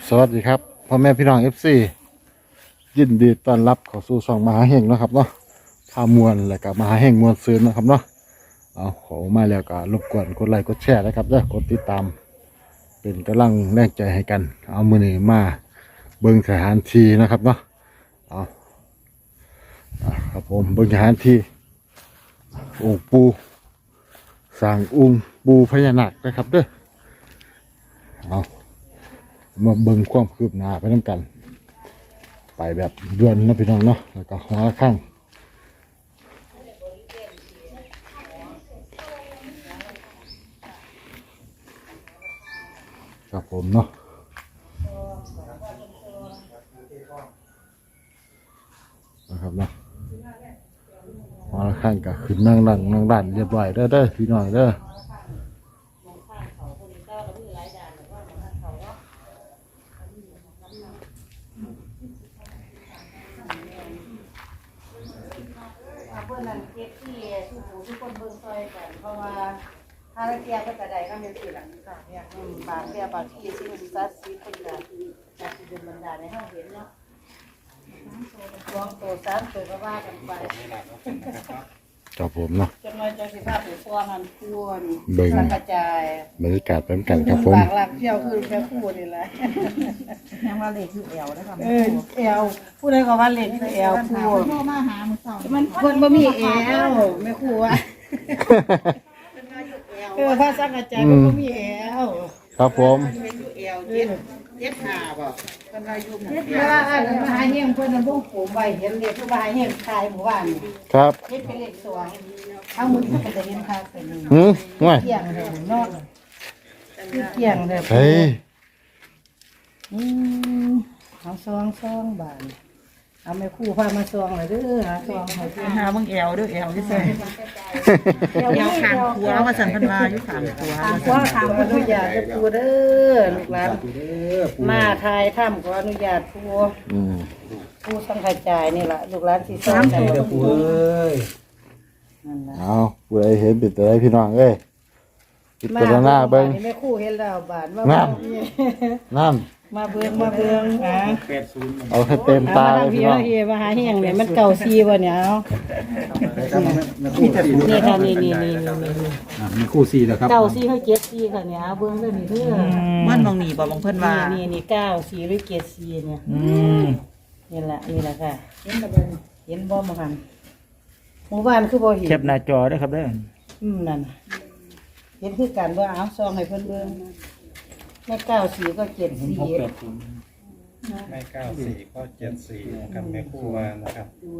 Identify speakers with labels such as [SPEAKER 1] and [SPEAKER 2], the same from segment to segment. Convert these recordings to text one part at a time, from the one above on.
[SPEAKER 1] สวัสดีครับพ่อแม่พี่น้อง FC ยินดีต้อนรับเข้าสู่ช่องมหาเฮงนะครับเนาะพามวลและกับมหาเฮงมวลซืนนะครับเนาะเอาขอมาแล้วก็รบกวนกดไลค์กดแชร์นะครับกดติดตามเป็นกำลังแรงใจให้กันเอามือนี้มาเบิ่งสถานที่นะครับเนาะเอาครับผมเบิ่งสถานที่องค์ปูสร้างองค์ปูพญานาคนะครับเอามาเบิ่งความคืบหน้าไปน้ำกันไปแบบด่วนนะพี่น้องเนาะแล้วก็หัวข้างครับผมเนาะนะครับเนาะหัวข้างก็ขึ้นนั่งด้านเรียบร้อยเด้อพี่น้องเด้อ
[SPEAKER 2] เพื่อนนั่นเก็บที่ทุกคนเบิ่งซอยกันเพราะว่าถ้าเราเทียบก็จะได้ก็เป็นสิ่งหลังค่ะเนี่ยบางเทียบบางที่สิ่งศักดิ์สิทธิ์คนละจากที่เป็นบรรดาในห้องเห็นเนาะลองตัวสามตัวก็ว่ากันไป
[SPEAKER 1] ครับผมเนาะ
[SPEAKER 2] จนมาจากสิภาพหรือตัวมันควร
[SPEAKER 1] เบิ่ง
[SPEAKER 2] สังกระจาย
[SPEAKER 1] บรรยากาศไปน้ำกันครับผม
[SPEAKER 2] บางหลักเที่ยวคือแค่คู่นี่แหละ
[SPEAKER 3] ยังว่าเหล็กคือแอวนะคะ
[SPEAKER 2] เอวผู้ใดก็ว่าเล็กคือเอวคู่
[SPEAKER 3] พ่อมาหามือสอง
[SPEAKER 2] มันคนบ่มีเอวไม่คู่ว่าพระสังกระจายก็บ่มีเอว
[SPEAKER 1] ครับผม
[SPEAKER 2] เวลาอ่านมหาเฮงเพิ่นน่ะบ่ปลูกไว้เห็นเลขผู้มหาเฮงขายหมู่บ้านนี่
[SPEAKER 1] ครับ
[SPEAKER 2] เฮ็ดเป็นเลขสองเอามือก็จะเห็นค่าเป็น
[SPEAKER 1] ง่าย
[SPEAKER 2] เกี่ยงเลยเนาะเกี่ยงเลย
[SPEAKER 1] เฮ้ย
[SPEAKER 2] เอาซองบาทเอาแม่ครู่พามาซองเลยเด้อหาซองให้เพิ่น
[SPEAKER 3] หาเบิ่งแอวด้วยแอวที่ใส่แอวขางขัวว่าสันพันมาอยู่ขางขัว
[SPEAKER 2] ขางขวาขางอนุญาตเด้อปู่เด้อลูกหลานมาทายถ้ำขออนุญาตปู่ ผู้สังขจายนี่แหละลูกหลานที่สร้างใจกับผู้นั่นแหละ
[SPEAKER 1] เอาผู้ใดเห็นเป็นตัวใดพี่น้องเอ้ยพิจารณาเบิ่ง
[SPEAKER 2] แม่ครู่เห็นแล้วบาท
[SPEAKER 1] นั่น
[SPEAKER 2] มาเบิ่งอ่ะ
[SPEAKER 1] เอาให้เต็มตา
[SPEAKER 2] มา
[SPEAKER 1] เล
[SPEAKER 2] ทาง
[SPEAKER 1] ย
[SPEAKER 2] พี่
[SPEAKER 1] พี่น้อง
[SPEAKER 2] เฮมาหาเฮงเนี่ยมันเก่าซีบ่เนี่ยเอานี่ค่ะนี่
[SPEAKER 4] มีคู่สี่แล้วครับ
[SPEAKER 2] เก่าซีเขาเจ็ดซีค่ะเนี่ยเอาเบิ่งเด้อนี่เด้อ
[SPEAKER 3] มันมองหนีบ่มองเพิ่นว่า
[SPEAKER 2] นี่เก้าซีหรือเจ็ดซีเนี่ย
[SPEAKER 3] ม
[SPEAKER 2] นี่แหละค่ะเห็นบ่มาคันหมู่บ้านคือบ่เห็น
[SPEAKER 3] แคปหน้าจอด้วยครับเด้อ
[SPEAKER 2] นั่นน่ะเห็นคือกันว่าเอาซองให้เพิ่นเบิ่งแม่เก้าสีก็เจ็ดสี
[SPEAKER 4] ไม่94ก็74นะครับแม่คู่วานะครับ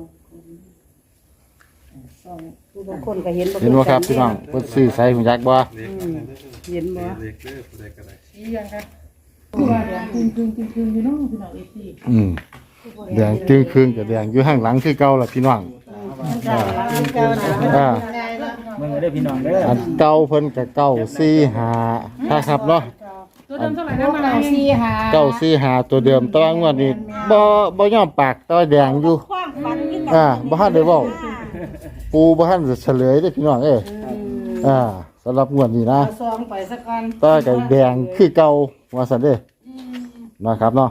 [SPEAKER 2] ซองผู้บางคนก็เห็น
[SPEAKER 1] เห็นบ่ครับพี่น้องเพิ่นซื้อใส่หุ่นยักษ์บ่
[SPEAKER 4] เล็ก
[SPEAKER 2] เห็นบ่
[SPEAKER 4] เล็กเด้อผู้ใดก็ได้
[SPEAKER 2] สียังครับว่าเดี๋ยวคืนอยู่เนาะพี่น้องเอฟซี
[SPEAKER 1] แดงจึงครึ่งกับแดงอยู่ข้างหลังคือเก่าล่ะพี่น้อง
[SPEAKER 2] มันจะร้านเก่านะง่ายเนาะ
[SPEAKER 3] เบิ่งได้พี่น้องเด้อ
[SPEAKER 1] อันเก่าเพิ่นก็945ครับเนาะ
[SPEAKER 2] ตัวเดิมเท่าไหร่นะเก้าสี่ห้า
[SPEAKER 1] 945ตัวเดิมแต่ว่างวดนี้บ่ยอมปากแต่ว่าแดงอยู่บ่ทันได้เว้าปูบ่ทันจะเฉลยเด้อพี่น้องเอ้ยสำหรับงวดนี้นะ
[SPEAKER 2] เอาซองไปสักก่อน
[SPEAKER 1] ต่อกับแดงคือเก่าว่าซั่นเด้นะครับเนาะ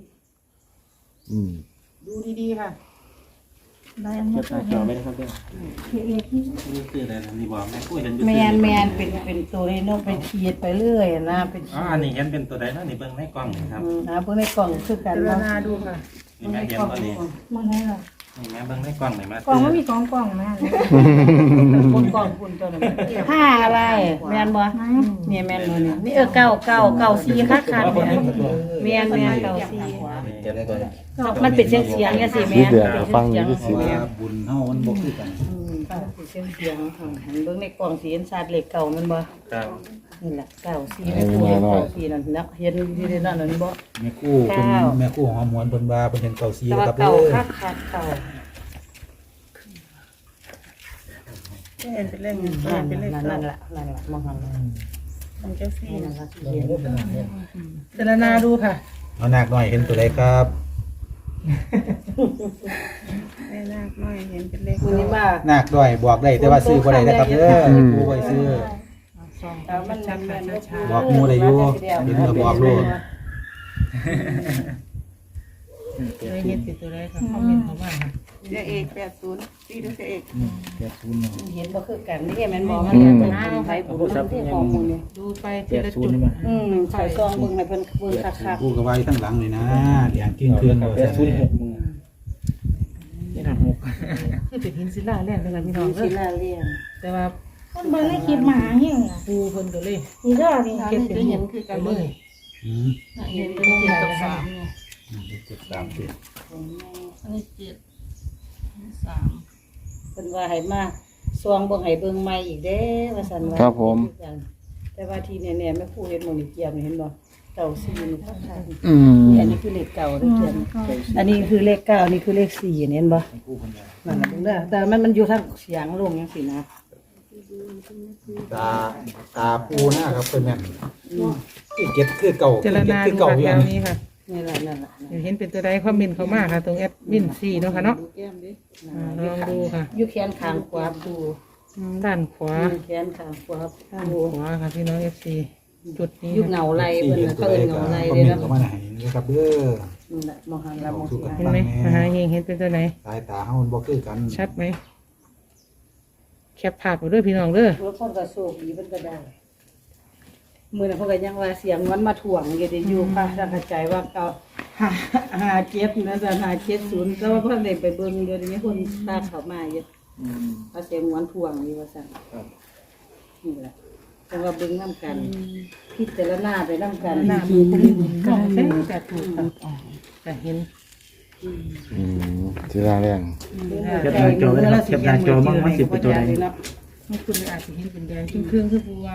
[SPEAKER 2] ดูดีๆค่ะ
[SPEAKER 3] ได้
[SPEAKER 4] แคปหน้าจอไว้นะครับเด้อนี่คืออะไรนะนี่บอกแม่คู่เห็นอยู่
[SPEAKER 2] แมนเป็นตัวนี้น้องเป็นขีดไปเรื่อยนะเป็น
[SPEAKER 4] อันนี้เห็นเป็นตัวใดเนาะนี่เบิ่งในกล้องนี่ครับ
[SPEAKER 2] หาเพิ่งในกล่องคือกันเนาะ
[SPEAKER 3] ดูค่ะ
[SPEAKER 4] นี่แม่เห็นบ่นี่
[SPEAKER 2] มันให้เรา
[SPEAKER 4] นี่แม่เบิ่งในกล้องนี่มาก
[SPEAKER 3] ล่องมันมี2กล่องนะ
[SPEAKER 2] คนกล่องคุณตัวนั้นผ้าอะไรแมนบ่เนี่ยแมนบ่เนี่ยนี่เก้าซีคักเนี่ยแมนเก้าซีมันเป็นเสียงเนี่ยสิแม
[SPEAKER 1] สี
[SPEAKER 2] น
[SPEAKER 1] แดงก็ฟังอยู่ที่สี
[SPEAKER 4] ว่าบุญเฮามันบ่คือกัน
[SPEAKER 2] เป็นเสียงเบิ่งในกล่องสีเห็นชาติเหล็กเก่ามันบ่
[SPEAKER 4] ครับ
[SPEAKER 2] นี่แหละเก้าซีเป็นตัวเก้าซีนั่นเนาะเห็นที่นั่นนั่นบ่
[SPEAKER 4] แม่คู่เป็นแม่คู่หอมหวนเพิ่นว่าเพิ่นเห็น94
[SPEAKER 2] แต่
[SPEAKER 4] แล้ว
[SPEAKER 2] ว่า
[SPEAKER 4] ครับ
[SPEAKER 2] เก่า
[SPEAKER 4] เด้อ
[SPEAKER 2] คักเก่า
[SPEAKER 3] เป็นเลข
[SPEAKER 2] นั่นล่ะมองหัน
[SPEAKER 3] มันจะซี่
[SPEAKER 2] นั่นล่ะ
[SPEAKER 3] เจรนาดูค่ะ
[SPEAKER 4] เอาหนักหน่อยเห็นตัวใดครับ
[SPEAKER 3] แม่นาคน้อยเห็นเป็นเลข
[SPEAKER 2] คุณนี่มา
[SPEAKER 4] หนักด้วยบอกได้แต่ว่าซื้อบ่ได้นะครับเด้อคู่ไว้ซื้อ
[SPEAKER 2] มันชัน
[SPEAKER 4] บอกหมู่ได้อยู่เห็นก็บอกโลด
[SPEAKER 3] เลยเห็นติดตัวใดค่ะคอมเมนต์เข้ามาค่ะ
[SPEAKER 2] เสียเอก80ตีด้วยเสียเอก
[SPEAKER 5] 80เนาะ
[SPEAKER 2] เห็นบ่คือกันนี่แม่นบ่มันจะเป็นไผบุญที่ของหมู่นี่
[SPEAKER 3] ดูไปทีละจุด
[SPEAKER 5] 80นี่มั้ย
[SPEAKER 2] ใส่ซองเบิ่งให้เพิ่นเบิ่งคัก
[SPEAKER 4] กูกับไว้ทั้งหลังเลยนะเลี้ยงกิ้งเครื่องเรา
[SPEAKER 5] 806มือนี่น่ะ6
[SPEAKER 3] คือเป็นหินศิลาแล่นเลยค่ะพี่
[SPEAKER 2] ๆ
[SPEAKER 3] น้อง
[SPEAKER 2] ศิลาเลี้ยง
[SPEAKER 3] แต่ว่า
[SPEAKER 6] คนเบิ่งในคลิปหมาเหี้ยอ่ะ
[SPEAKER 3] ปูเพิ่นก็เลย
[SPEAKER 6] นี่เด้อนี่
[SPEAKER 3] เก็บเป็นหินคือกันเลย
[SPEAKER 2] เห็นเป็นเจ็ดกับสาม
[SPEAKER 4] 7 3 7
[SPEAKER 6] อันนี้7
[SPEAKER 2] เพิ่นว่าให้มาซองเบิ่งให้เบิ่งใหม่อีกเด้ว่าซั่นว่า
[SPEAKER 1] ครับผม
[SPEAKER 2] แต่ว่าที่แน่ๆแม่ครูเฮ็ดหมื้นี้เกียมนี่เห็นบ่เก่า4นี่คักๆ
[SPEAKER 1] อืม
[SPEAKER 2] นี่อันนี้คือเลขเก่าเด้อเกียมอันนี้คือเลข9อันนี้คือเลข4นี่เห็นบ่นั่นน่ะเบิ่งเด้อแต่มันอยู่ทางเสียงลงจังซี่นะ
[SPEAKER 4] ตาปูหน้าครับเป็นแม่นคือเก็ดคือเก่า
[SPEAKER 3] เจรนา
[SPEAKER 4] คือ
[SPEAKER 3] ดู
[SPEAKER 4] เก่า
[SPEAKER 3] ค่ะ
[SPEAKER 4] อยู่
[SPEAKER 3] แถ
[SPEAKER 4] อั
[SPEAKER 3] วน นี้ค่ะ
[SPEAKER 2] นี่แหละนั่นล่ะ
[SPEAKER 3] เห็นเป็นตัวใดคอมเมนต์เข้ามาค่ะตรงแอดมิน4เนาะค่ะเนาะลองดูค่ะ
[SPEAKER 2] อยู่แขนข้างขวาดู
[SPEAKER 3] ด้านขวา
[SPEAKER 2] แขนข้างขวา
[SPEAKER 3] ด้าน
[SPEAKER 2] ดู
[SPEAKER 3] ขวาค่ะพี่น้อง FC จุดนี้
[SPEAKER 2] อยู่เงาไหลเพิ่นน่ะเขาเอิ้นเงาไหลเด้
[SPEAKER 4] เนาะ
[SPEAKER 2] เนาะ
[SPEAKER 4] เข้ามาให้นะครับเด้อ
[SPEAKER 2] นี่แหละมองหันละมองสิ
[SPEAKER 3] เห็นไหมมหาเฮงเห็นเป็นตัวไหน
[SPEAKER 4] สายตาเฮามันบ่คือกัน
[SPEAKER 3] ชัดไหมแคปภาพไปด้วยพี่น้องเด้อ
[SPEAKER 2] รถคนก็โชคดีเพิ่นก็ได้มื้อนั้นเพิ่นก็ยังว่าเสียงมันมาถ่วงอยู่ได้อยู่ค่ะถ้าเข้าใจว่าเก่า57นะจ๊ะ570แต่ว่าเพิ่นได้ไปเบิ่งเดี๋ยวนี้คนตามเข้ามาเยอะว่าเสียงมันถ่วงอยู่ว่าซั่นนี่แหละแต่ว่าเบิ่งนำกันพิจารณาไปนำกัน
[SPEAKER 3] หน้ามือคุ้มบุญก็ใช่แต่ถูกค่ะแต่เห็น
[SPEAKER 1] ทีละแรง
[SPEAKER 5] แคปหน้าจอไว้นะครับแคปหน้าจอมั่งมันสิเป็นตัวใด
[SPEAKER 3] ไม่คุณอาจจะเห็นเป็นแดงเครื่องคือบัว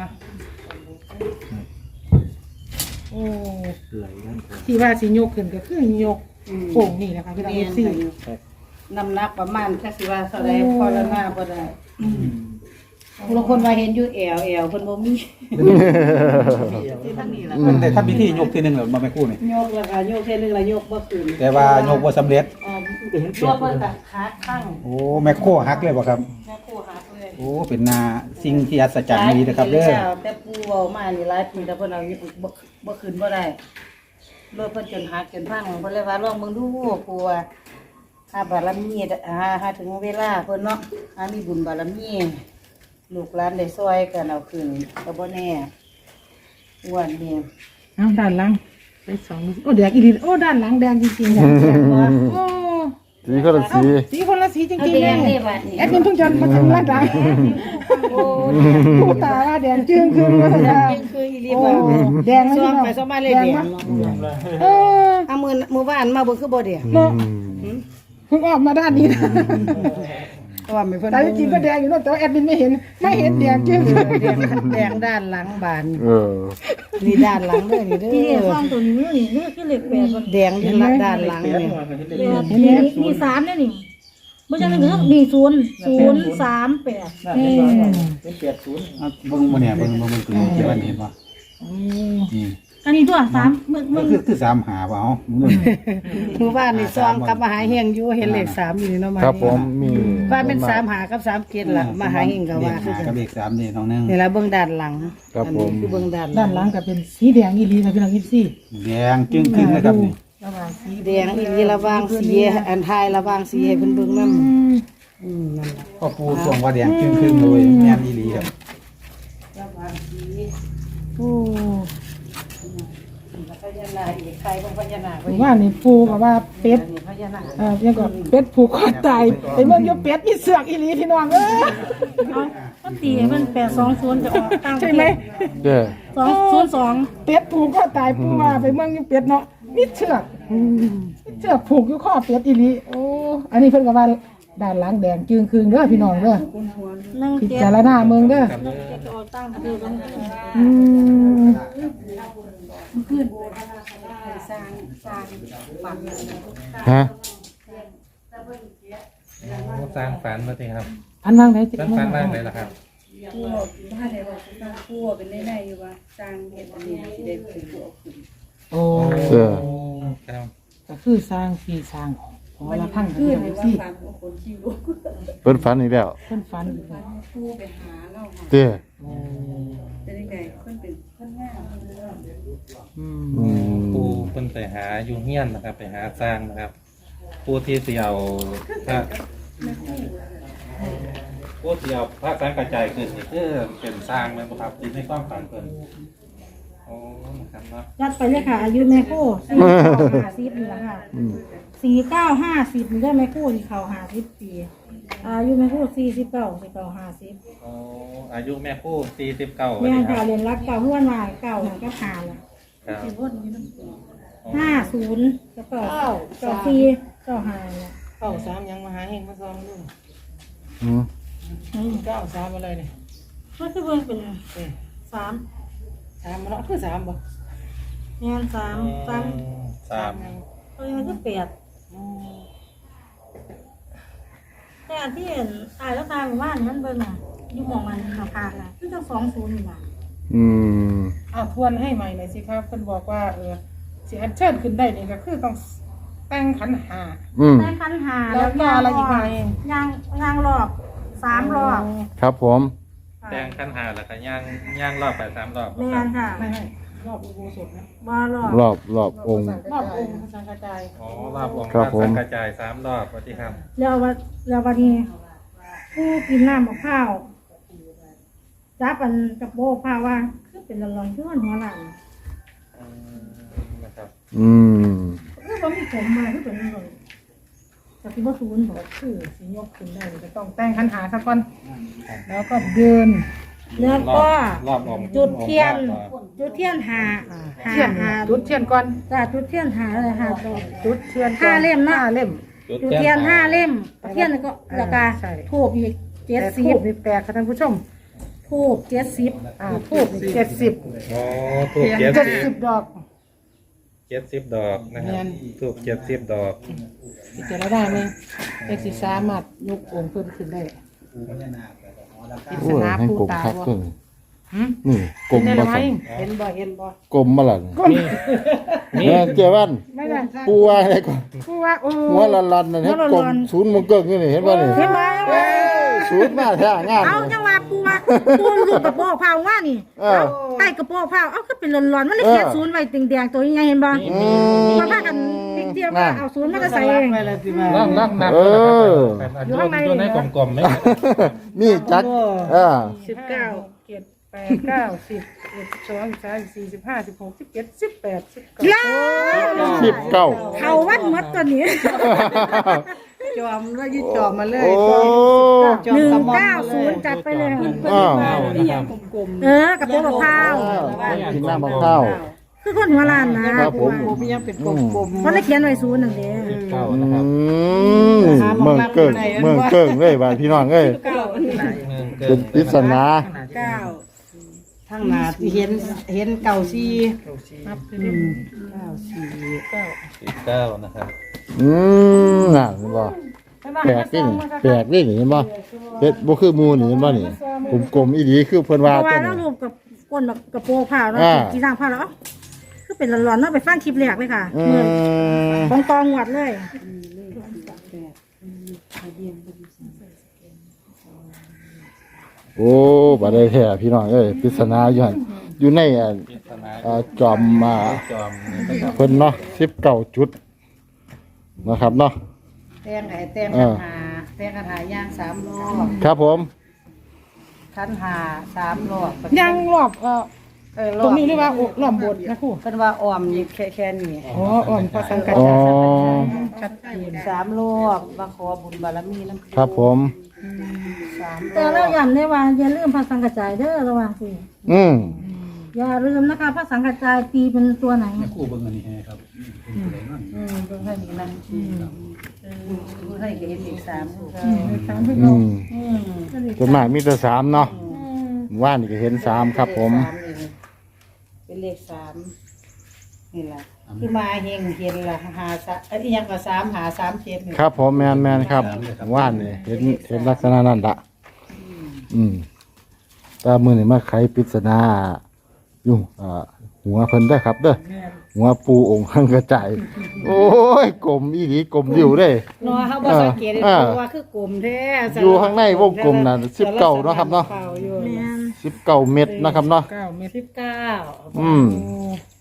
[SPEAKER 3] โอ้
[SPEAKER 5] ไหลด้านขวา
[SPEAKER 3] ที่ว่าสิยกขึ้นก็คือยกโป่งนี่นะคะพี่น้อง FC
[SPEAKER 2] น้ำหนักประมาณแค่สิว่าเท่าใดพอละหน้าบ่ได้บางคนว่าเห็นอยู่แอวเพิ่นบ่มีที่ทางนี้ล่ะ
[SPEAKER 4] แต่ถ้าพิธียกทีนึงแล้วมาไม่คู่นี่
[SPEAKER 2] ยกแล้วก็ยกเท่นึงแล้วยกบ่ขึ้น
[SPEAKER 4] แต่ว่ายกบ่สำเร็จ
[SPEAKER 2] ตัวเพิ่นก็ขาข้าง
[SPEAKER 4] โอ้แม่โคหักเลยบ่ครับ
[SPEAKER 2] แม่ครูหักเลย
[SPEAKER 4] โอ้เป็นนาสิ่งที่อัศจรรย์นี้นะครับเด้อ
[SPEAKER 2] แต่ปูเว้ามานี่หลายปีแล้วเพิ่นเอาบ่ขึ้นบ่ได้รถเพิ่นจนหักจนพังเพิ่นเลยว่าลองเบิ่งดูปูว่าหาบารมีหาถึงเวลาเพิ่นเนาะหามีบุญบารมีลูกหลานได้ซอยกันเอาขึ้นก็บ่แน่อ้วนนี่
[SPEAKER 3] เอาด้านหลังไปสองโอ้แดงอีหลีโอ้ด้านหลังแดงจริงๆเนี่ยโอ้
[SPEAKER 1] สีคนละสี
[SPEAKER 3] สีคนละสีจ
[SPEAKER 2] เอา
[SPEAKER 3] ริง
[SPEAKER 2] แด
[SPEAKER 3] ๆเลย
[SPEAKER 2] งนี่บัดนี้
[SPEAKER 3] แอดมินเพิ่งจะมาทำร้านดัง
[SPEAKER 2] โอ้
[SPEAKER 3] ผู้ตาแดงจึ้งคือว่าแดง
[SPEAKER 2] คืออีหลี
[SPEAKER 3] โอ้
[SPEAKER 2] บ่
[SPEAKER 3] แดง
[SPEAKER 2] ซ้อม
[SPEAKER 3] เนาะ
[SPEAKER 2] ไปซ้อมมาเลยแดงเนาะ
[SPEAKER 3] เออ
[SPEAKER 2] เอามือบ้านมาเบิ่งคือบ่แดง
[SPEAKER 3] เนาะเพิ่งออกมาด้านนี้นะ
[SPEAKER 2] เพราะว่าไม่เพิ่น
[SPEAKER 3] แต่จริงๆก็แดงอยู่เนาะแต่ว่าแอดมินไม่เห็นแดงจึ้งคือ
[SPEAKER 2] แดงด้านหลังบาน
[SPEAKER 1] เออ
[SPEAKER 2] นี่ด้านหลังเด้อนี่เด้
[SPEAKER 6] ที่
[SPEAKER 2] อ
[SPEAKER 6] ฟังตัวนี้นี่คือเลข8บ่
[SPEAKER 2] แดงที่ละด้านหลังนี่
[SPEAKER 6] มี3เนี่ยนี่บ่จังนึงมี0 3 8
[SPEAKER 5] เป็น80
[SPEAKER 4] เบิ่งบ่เนี่ยเบิ่งคือเกี่ยวกันเห็นบ่นี่
[SPEAKER 6] อันนี้ตัว3มึง
[SPEAKER 4] คือ3หาบ่เอามึง
[SPEAKER 2] หมู่บ้านนี่ซ้อมกับมหาเฮงอยู่เห็นเลข3อยู่นี่เนาะมา
[SPEAKER 1] ครับผมมี
[SPEAKER 2] บ้านเป็น3หากับ3เกตล่ะมหาเฮงก็
[SPEAKER 4] เล
[SPEAKER 2] ว่า
[SPEAKER 4] ข
[SPEAKER 2] คือ
[SPEAKER 4] หา
[SPEAKER 2] กั
[SPEAKER 4] กับ
[SPEAKER 2] น
[SPEAKER 4] เลข3นี่น้องนึง
[SPEAKER 2] นี่ล่ะเบิ่งด้านหลัง
[SPEAKER 1] ครับผม
[SPEAKER 2] อันนี้คือเบิ่งด้านห
[SPEAKER 3] ด้านหลังก็เป็นสีแดงอีหลีค่ะพี่น้องอีซี่
[SPEAKER 4] แดงจึ้งขึ้นนะครับนี่
[SPEAKER 3] ระหว่างสี
[SPEAKER 2] แดงอีหลีระหว่างสีอันทายระหว่างสีให้เพิ่นเบิ่งนำนั่นล่ะ
[SPEAKER 4] พ่อปู่ทรงว่าแดงจึ้งขึ้นเลยแม่นอีหลีครับ
[SPEAKER 2] ระหว่างสี
[SPEAKER 3] โอ้
[SPEAKER 2] พญานาคอีกใครของพญานาค
[SPEAKER 3] ผมว่านี่ปูกับว่าเป็ด
[SPEAKER 2] พญานาค
[SPEAKER 3] ยังก็เป็ดผูกคอตายไอ้เมืองอยู่เป็ดมีเสือกอีหลีพี่น้องเอ้ย
[SPEAKER 6] เอามันตีมัน820จะออกตาม
[SPEAKER 3] ใช่ไหม
[SPEAKER 1] เด้อ
[SPEAKER 6] 202
[SPEAKER 3] เป็ดผูกคอตายปูว่าไปเมืองอยู่เป็ดเนาะมีเชือกมีเชือกผูกอยู่ข้อเป็ดอีหลีโอ้อันนี้เพิ่นก็ว่าด้านหลังแดงจึงคืนเด้อพี่น้องเด้อ
[SPEAKER 6] 1
[SPEAKER 3] พิ
[SPEAKER 6] 7
[SPEAKER 3] จารณาเมืองเด้อ
[SPEAKER 6] จะออกตามคือกัน
[SPEAKER 3] อืม
[SPEAKER 1] ฮะ
[SPEAKER 7] สร้างฝันมาสิครับ
[SPEAKER 3] อันวางไหน
[SPEAKER 7] สร้างฝันบ้างเลยล่ะครับ
[SPEAKER 2] ผู้บ้านไหนบอกผู้เป็นได้อยู่ว่าสร้างเฮ็ดอันนี้สิได้เป็นผู้เอาขึ้น
[SPEAKER 3] โอ้
[SPEAKER 1] เออ
[SPEAKER 7] ครับ
[SPEAKER 3] ก็คือสร้างที่สร้างขอละพังคือสิ
[SPEAKER 2] คนที่รู้
[SPEAKER 1] เพิ่นฝันอีกแล้ว
[SPEAKER 3] เพิ่นฝัน
[SPEAKER 2] ผู้ไปหาเนาะ
[SPEAKER 1] เด้อ
[SPEAKER 2] เป็นยังไงเพิ่นเป็นเพิ่นงาม
[SPEAKER 3] อืม
[SPEAKER 1] อืม
[SPEAKER 7] ปูเป็นแต่หาอยู่เฮียนนะครับ ไปหาสร้างนะครับ ผู้ที่สิเอาพระผู้ที่เอาพระสร้างกระจายขึ้นนี่คือเป็นสร้างแม่นบ่ครับที่ในความฝันเพิ่นโอ้นะครับเนาะ
[SPEAKER 6] ยัดไปเลยค่ะ อายุแม่คู่49 50นี่แหละค่ะ
[SPEAKER 1] อืม
[SPEAKER 6] 49 50นี่ได้แม่คู่ที่เขา50 ปีอายุแม่คู่49
[SPEAKER 7] โอ้อายุแม่ผู้49
[SPEAKER 6] แม่
[SPEAKER 7] นี่ค
[SPEAKER 6] ค่ะ
[SPEAKER 7] รับ
[SPEAKER 6] เรียนรักเก่าห้วนวายเก่าหันก็หาละ
[SPEAKER 7] ครับ
[SPEAKER 6] 50แล้วก็94ก็หาละ
[SPEAKER 3] 93ยังมาหาเฮงมาซองนู่น
[SPEAKER 1] อืม
[SPEAKER 3] 93อะไรเนี่ย
[SPEAKER 6] มันคือเบิ่งเป็น3
[SPEAKER 3] 3มาเนาะคือ3บ่
[SPEAKER 6] แม่น3
[SPEAKER 7] สาม
[SPEAKER 6] เอ้ยมันคือ8แต่อันที่เห็นตายแล้วตายหมู่บ้านมันเบิ่งน่ะอยู่หม่องมันขาดน่ะคือจัง20นี่ล่ะ
[SPEAKER 1] อืม
[SPEAKER 3] ทวนให้ใหม่หน่อยสิครับเพิ่นบอกว่าสิอัญเชิญขึ้นได้นี่ก็คือต้องแต่งขันหา
[SPEAKER 1] อืม
[SPEAKER 6] ได้คันหา
[SPEAKER 3] แล้วก็อะไรอีกไหม
[SPEAKER 6] ย่างรอบ3รอบ
[SPEAKER 1] ครับผม
[SPEAKER 7] แดงขั้นหาแล้วก็ย่างรอบไป3รอบ
[SPEAKER 6] แม่นค่ะ
[SPEAKER 3] ไม่รอบอุโบสถนะ
[SPEAKER 6] บ่รอบ
[SPEAKER 1] รอบองค์
[SPEAKER 3] รอบองค์พระสังฆจาย
[SPEAKER 7] อ๋อรอบองค์
[SPEAKER 1] ครับ
[SPEAKER 7] พ
[SPEAKER 1] ผม
[SPEAKER 7] ระสังกระจาย3รอบว่าที่ครับ
[SPEAKER 6] แล้ววันนี้ผู้กินน้ำมะพร้าวจับอันกับโบพร้าวว่าคือเป็นละลอนคือมันหัวหลัง
[SPEAKER 7] นะครับ
[SPEAKER 1] อืม
[SPEAKER 6] คือบ่มีผมมาคือเป็นละลอนแต่ที่บ่ศูนย์บอก
[SPEAKER 3] คือสิยกขึ้นได้นี่ก็ต้องแต่งขันหาซะก่อนแล้วก็เดิน
[SPEAKER 6] แล้วก็
[SPEAKER 7] รอบองค์
[SPEAKER 6] จุดเทียนหา
[SPEAKER 3] เทียนจุดเทียนก่อน
[SPEAKER 6] จ้าจุดเทียนหาเลยค่ะดอก
[SPEAKER 3] จุดเทียน
[SPEAKER 6] ห้าเล่มนะ
[SPEAKER 3] 5เล่ม
[SPEAKER 6] จุดเทียน5 เล่มเทียนแล้วก็แล้วก็
[SPEAKER 3] ใช่
[SPEAKER 6] ทูบอีก
[SPEAKER 3] แต่ทูบนี่แปลกค่ะท่านผู้ชม
[SPEAKER 6] ทูบ70
[SPEAKER 3] ทูบนี่70
[SPEAKER 7] อ๋อถูก
[SPEAKER 3] 70ดอก
[SPEAKER 7] 70ดอกนะครับ
[SPEAKER 3] แม่น
[SPEAKER 7] ถูก70ดอก
[SPEAKER 3] สิจะได้ไหมเอกสิสามารถยกองค์เพิ่มขึ้นได้ปริ
[SPEAKER 1] โอ้
[SPEAKER 3] ศ
[SPEAKER 1] ย
[SPEAKER 3] นา
[SPEAKER 1] ให้
[SPEAKER 3] ผู้
[SPEAKER 1] กลม
[SPEAKER 3] ตา
[SPEAKER 1] คัก
[SPEAKER 3] บ่
[SPEAKER 1] ขึ้น
[SPEAKER 3] หืม
[SPEAKER 1] นี่กลม
[SPEAKER 3] เห็น
[SPEAKER 1] มา
[SPEAKER 3] ไหม
[SPEAKER 1] สั่น
[SPEAKER 3] เห็นบ่
[SPEAKER 1] กลมมาหลัง
[SPEAKER 7] นี่
[SPEAKER 1] แม่เจ้าวัน
[SPEAKER 3] ไม่ได้
[SPEAKER 1] ปูว่าอะไรก่อน
[SPEAKER 3] ผู้ว่าโอ้
[SPEAKER 1] หัวลันๆนั่นเห็นกลมศูนย์มงเกิงอยู่นี่เห็นป่ะนี่
[SPEAKER 6] เห็นไหม
[SPEAKER 1] เอ้ยศูนย์มาแท้งาม
[SPEAKER 6] เอาจังหวะปูลูกกระโปรงผ้าว่านี่
[SPEAKER 1] เออ
[SPEAKER 6] ใต้กระโปรงผ้าเอาก็เป็นร้อนๆมันเลยเขียนศูนย์ไว้แดงๆตัวยังไงเห็นบ่
[SPEAKER 1] อืม
[SPEAKER 6] มาพากันติ๊กเดียวว่าเอาศูนย์มาก็ใส่เอง
[SPEAKER 7] ล่องนับ
[SPEAKER 1] เออ
[SPEAKER 7] อยู่ในกลมๆไหม
[SPEAKER 1] นี่จัก
[SPEAKER 3] 19 7 8 9 10 11 12 13 14 15 16 17 18
[SPEAKER 6] ยา
[SPEAKER 1] 19
[SPEAKER 6] เขาวัดหมดตัวนี้
[SPEAKER 2] จอมแล้วยึดจอมมาเลย
[SPEAKER 1] โอ้
[SPEAKER 2] จอมกระหม่อมมาเลย
[SPEAKER 6] 190จัดไปเลย
[SPEAKER 1] อ้าว
[SPEAKER 7] นะครับ
[SPEAKER 6] กระโปรงมะพร้าว
[SPEAKER 1] กินน้ำมะพร้าว
[SPEAKER 6] คือคนหัวล้านนะครับ
[SPEAKER 1] ผม
[SPEAKER 2] ผมยังเป็นกลมๆ
[SPEAKER 6] มันเลยเขียนไว้ศูนย์นั่นเด้
[SPEAKER 7] เก้า
[SPEAKER 1] อื
[SPEAKER 7] นะครับ
[SPEAKER 1] มเมืองเกิงเมืองเกิงเลยบ้านพี่น้องเอ้ยเป็นปริศนา
[SPEAKER 2] ทางหน้าที่เห็นเก่าซี
[SPEAKER 3] นับ
[SPEAKER 7] 9นะครับ
[SPEAKER 1] น่ะเห็นบ่แปลกนี่แปลกนี่เห็นบ่เฮ็ดบ่คือหมู่นี่เห็นบ่นี่กลมๆอีหลีคือเพิ่น
[SPEAKER 6] เพ
[SPEAKER 1] ว่า
[SPEAKER 6] ราะว่า
[SPEAKER 1] จัง
[SPEAKER 6] เรารูปกับก้นแบบกระโปรงผ้าแล้ว
[SPEAKER 1] อ่า
[SPEAKER 6] จีนางผ้าแล้วคือเป็นร้อนๆเนาะไปฟังคลิปแรกเลยค่ะ
[SPEAKER 1] อื
[SPEAKER 6] เมื่อ
[SPEAKER 1] ม
[SPEAKER 6] ของกองหวัดเลย
[SPEAKER 1] โอ้บ่ได้แท้พี่น้องเอ้ยปริศนาอยู่หั่นอยู่ใน
[SPEAKER 7] ปริศนา
[SPEAKER 1] จอม
[SPEAKER 7] จอมนะครับ
[SPEAKER 1] เพิ่นเนาะ19จุดนะครับเนาะ
[SPEAKER 2] แตงคันหาย่าง3รอบ
[SPEAKER 1] ครับผม
[SPEAKER 2] คันหา3รอบ
[SPEAKER 3] ยังรอบตรงนี้เรียกว่ารอบบทนะครู
[SPEAKER 2] เพิ่นว่าอ้อมนี่แค่นี้
[SPEAKER 3] อ๋ออ่อนพระสังกัด
[SPEAKER 1] อ๋อ
[SPEAKER 3] ชัดเจน
[SPEAKER 2] 3รอบมาขอบุญบารมีนำ
[SPEAKER 1] ครับผม
[SPEAKER 2] 3
[SPEAKER 6] แต่เราย้ำได้ว่าอย่าลืมพระสังกัจจายเด้อระวังสิ
[SPEAKER 1] อืม
[SPEAKER 6] อย่าลืมนะคะพระสังกัจจายตีเป็นตัวไหน
[SPEAKER 2] เบิ่งให้ดีนะให้เห็นอีก3
[SPEAKER 1] อืมส่วนมากมีแต่3เนาะว่านนี่ก็เห็น3ครับผม
[SPEAKER 2] เป็นเลข3นี่ล่ะคือมาเฮงเห็นล่ะหาอีหยังก็3หา3 7นี่
[SPEAKER 1] ครับผมแม่นครับว่านนี่เห็นลักษณะนั้นละแต่มื้อนี้มาไขปริศนาอยู่หัวเพิ่นได้อครับเด้อหัวปูองค์ข้างกระจายโอ้ยกลมอีหลีกลมอยู่เด้
[SPEAKER 2] เนาะเฮาบ่สังเกตได้
[SPEAKER 1] อ่า
[SPEAKER 2] เพราะว่าคือกลมแท้
[SPEAKER 1] อยู่ข้างในวงกลมน่ะ19เนาะครับเนาะ
[SPEAKER 6] แม่น
[SPEAKER 1] 19เม็ดนะครับเนาะ
[SPEAKER 3] 9 เมตร
[SPEAKER 2] 19
[SPEAKER 1] อืม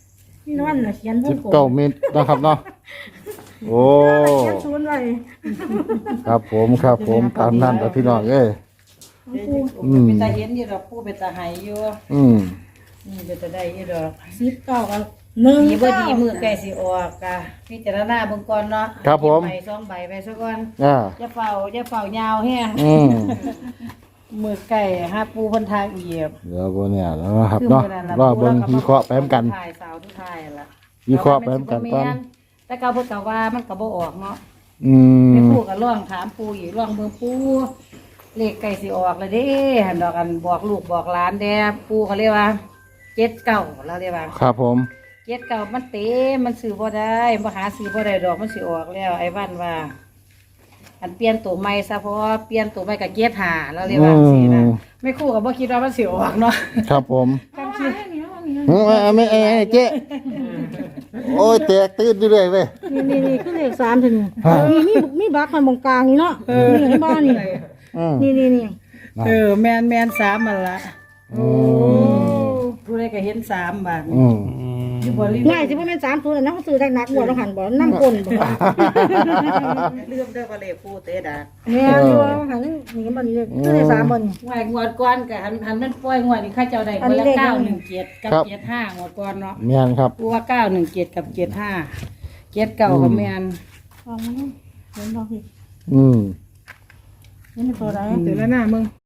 [SPEAKER 6] นี่นั่นน่ะเขียนวงกลม
[SPEAKER 1] 19 เมตรนะครับเนาะโอ้
[SPEAKER 6] เขียนศูนย์ไว้
[SPEAKER 1] ครับผมตามนั้นแต่พี่น้องเอ้ย
[SPEAKER 2] เป็นตาเห็นอยู่ดอกผู้เป็นตาไหายอยู่
[SPEAKER 1] อืม
[SPEAKER 2] นี่เป็นตาได้อยู่ดอก
[SPEAKER 6] 19กับ1
[SPEAKER 2] ดีบ่ดีมือใกล้สิออกกะพิจารณาเบิ่งก่อนเนาะ
[SPEAKER 1] ครับผม
[SPEAKER 2] ใบ2ใบไปซะก่อน
[SPEAKER 1] อ่า
[SPEAKER 2] อย่าเฝ้ายาวแฮง
[SPEAKER 1] อืม
[SPEAKER 2] มือไก่หาปูเพิ่นทางเหยียบ
[SPEAKER 1] เดี๋ยวบ่เนี่ยแล้วนะครับเนาะรอเบิ่งวิเคราะห์ไปนำกัน
[SPEAKER 2] ถ่ายสาวทุกถ่ายล่ะ
[SPEAKER 1] วิเคราะห์ไปนำกันก่อน
[SPEAKER 2] แต่เก่าเพิ่นก็ว่ามันก็บ่ออกเนาะ
[SPEAKER 1] อื
[SPEAKER 2] แม่
[SPEAKER 1] ม
[SPEAKER 2] ปูก็ร้องถามปูอีกร้องเบิ่งปูเลขไก่สิออกแล้วเด้หั่นดอกกันบอกลูกบอกหลานแด่ปูเขาเรียกว่า79แล้วเรียกว่า
[SPEAKER 1] ครับผม
[SPEAKER 2] 79มันเต็มมันซื้อบ่ได้บ่หาซื้อบ่ได้ดอกมันสิออกแล้วไอ้วันว่าอันเปลี่ยนตัวใหม่ซะเพราะว่าเปลี่ยนตัวใหม่ก็เกียรติหาแล้วเรียกว่าสินะไม่คู่ก็บ่คิดว่ามันสิออกเนาะ
[SPEAKER 1] ครับผม
[SPEAKER 6] กันคิด
[SPEAKER 1] ไม่เจ๊โอ้ยแตกตื่นอยู่เลยเว้ย
[SPEAKER 6] นี่คือเลข3ถึงมีบักมันตรงกลางนี่เนาะนี่ให้บ้านนี่
[SPEAKER 1] อืม
[SPEAKER 6] นี่
[SPEAKER 2] แม่น3มันละ
[SPEAKER 1] อืม
[SPEAKER 2] ผู้ใดก็เห็น3บาท
[SPEAKER 1] อืม
[SPEAKER 2] อยู่บ่ลืม
[SPEAKER 6] ง่ายสิบ่แม่น3ตัวแล้วนะเขาซื้อได้หนักบ่แล้วหันบ่นำก้นบ่
[SPEAKER 2] ลืมเด้อว่าเลขผู้เตะดา
[SPEAKER 6] แม่นอยู่หันนี่บ่นี่เลยคือเลข3บ่นี่
[SPEAKER 2] งวดก่อนก็หันมันปล่อยงวดนี่ข้าเจ้าได้
[SPEAKER 6] อัน
[SPEAKER 2] คน
[SPEAKER 6] นี้
[SPEAKER 2] ละ
[SPEAKER 6] เลข
[SPEAKER 2] 917กับ75งวดก่อนเนาะ
[SPEAKER 1] แม่นครับ
[SPEAKER 2] ผู้ว่า917กับ75 79ก็แม่น
[SPEAKER 6] เอามาเนาะเห็นบ่พี่
[SPEAKER 1] อืม
[SPEAKER 6] นี่เป็นตัวใด
[SPEAKER 3] เดี๋ยวแล้วหน้ามึง